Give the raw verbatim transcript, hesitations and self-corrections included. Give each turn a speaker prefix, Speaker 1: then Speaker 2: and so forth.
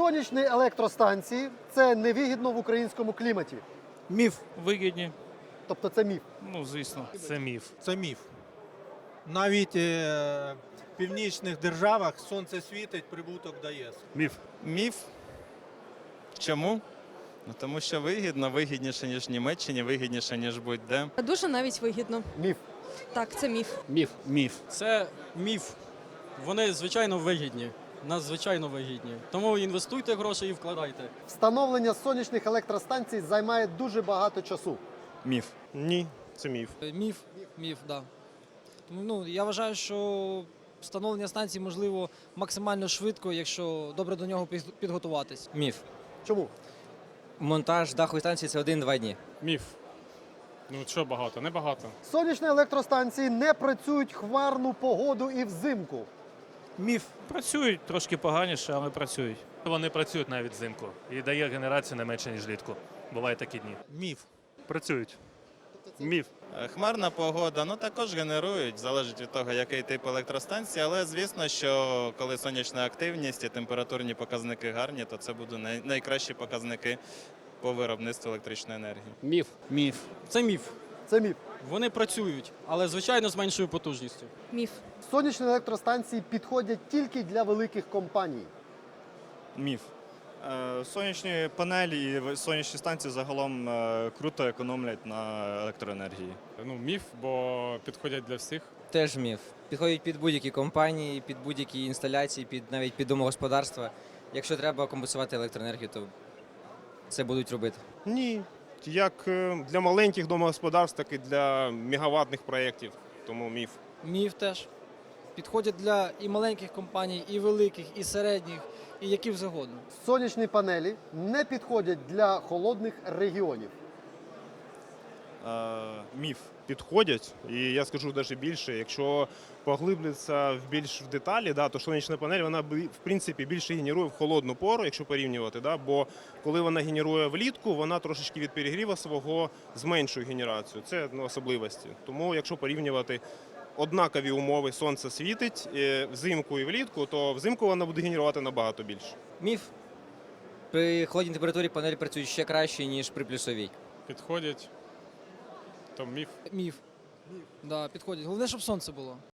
Speaker 1: Сонячні електростанції – це невигідно в українському кліматі.
Speaker 2: Міф.
Speaker 3: Вигідні.
Speaker 1: Тобто це міф.
Speaker 3: Ну, звісно. Це міф.
Speaker 2: Це міф. Навіть е, в північних державах сонце світить, прибуток дає.
Speaker 4: Міф.
Speaker 5: Міф. Чому? Ну, тому що вигідно, вигідніше, ніж в Німеччині, вигідніше, ніж будь-де.
Speaker 6: Дуже навіть вигідно.
Speaker 1: Міф.
Speaker 6: Так, це міф.
Speaker 4: Міф. Міф.
Speaker 7: Це міф. Вони, звичайно, вигідні. Надзвичайно вигідні. Тому інвестуйте гроші і вкладайте.
Speaker 1: Встановлення сонячних електростанцій займає дуже багато часу.
Speaker 5: Міф.
Speaker 4: Ні, це міф.
Speaker 8: Міф, міф, да. Тому, ну, я вважаю, що встановлення станції можливо максимально швидко, якщо добре до нього під- підготуватись.
Speaker 9: Міф.
Speaker 1: Чому?
Speaker 9: Монтаж дахової станції – це один-два дні.
Speaker 4: Міф. Ну що багато? Небагато.
Speaker 1: Сонячні електростанції не працюють хмарну погоду і взимку.
Speaker 2: Міф.
Speaker 3: Працюють трошки поганіше, але працюють.
Speaker 4: Вони працюють навіть взимку і дає генерацію не менше, ніж влітку. Бувають такі дні.
Speaker 2: Міф.
Speaker 4: Працюють. Міф.
Speaker 5: Е, Хмарна погода, ну також генерують, залежить від того, який тип електростанції, але звісно, що коли сонячна активність і температурні показники гарні, то це будуть най- найкращі показники по виробництву електричної енергії.
Speaker 4: Міф.
Speaker 7: Міф. Це міф.
Speaker 1: Це міф.
Speaker 7: Вони працюють, але, звичайно, з меншою потужністю.
Speaker 6: Міф.
Speaker 1: Сонячні електростанції підходять тільки для великих компаній.
Speaker 10: Міф. Е, Сонячні панелі і сонячні станції загалом е, круто економлять на електроенергії.
Speaker 4: Ну, міф, бо підходять для всіх.
Speaker 9: Теж міф. Підходять під будь-які компанії, під будь-які інсталяції, під навіть під домогосподарства. Якщо треба компенсувати електроенергію, то це будуть робити.
Speaker 11: Ні. Як е, для маленьких домогосподарств, так і для мегаваттних проєктів. Тому міф.
Speaker 8: Міф теж. Підходять для і маленьких компаній, і великих, і середніх, і яких завгодно.
Speaker 1: Сонячні панелі не підходять для холодних регіонів.
Speaker 10: Е,
Speaker 11: Міф. Підходять, і я скажу навіть більше, якщо поглиблитися в більш в деталі, да, то сонячна панель, вона бі- в принципі більше генерує в холодну пору, якщо порівнювати, да, бо коли вона генерує влітку, вона трошечки від перегріву свого зменшує генерацію. Це ну, особливості. Тому якщо порівнювати однакові умови, сонце світить е, взимку і влітку, то взимку вона буде генерувати набагато більше.
Speaker 9: Міф. При холодній температурі панелі працюють ще краще, ніж при плюсовій.
Speaker 4: Підходять. То міф.
Speaker 8: Міф. Да, підходять. Головне, щоб сонце було.